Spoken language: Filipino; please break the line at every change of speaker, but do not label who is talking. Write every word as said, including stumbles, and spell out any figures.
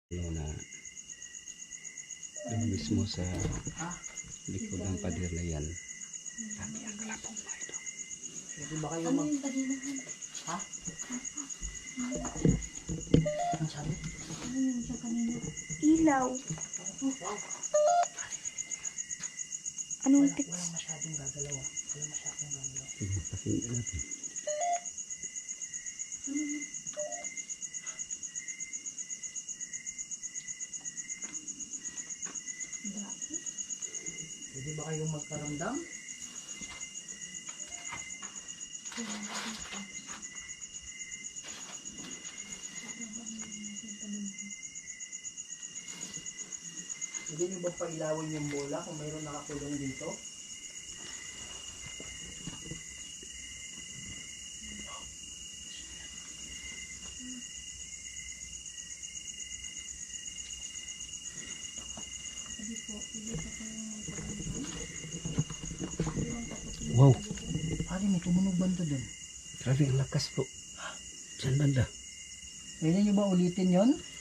Ano na doon mismo sa likod ng pader na yan. Dami ang kalapong mga ito.
Hindi ba kayo
Ano
mag...
yung padinahan?
Ha? Ang sabi?
Ano yung siya kanina? Ilaw.
Wow.
Anong
Wala,
tips?
walang masyadong gagalaw. ah. Walang masyadong gagalaw.
Sige, pakinggan natin.
Pwede ba kayong magkaramdam? Pwede nyo ba pailawin yung bola kung mayroon nakakulong dito?
Wow,
Pare, may tumunog banda dun.
grabe ang lakas po. Diyan banda.
Pwede nyo ba ulitin yon?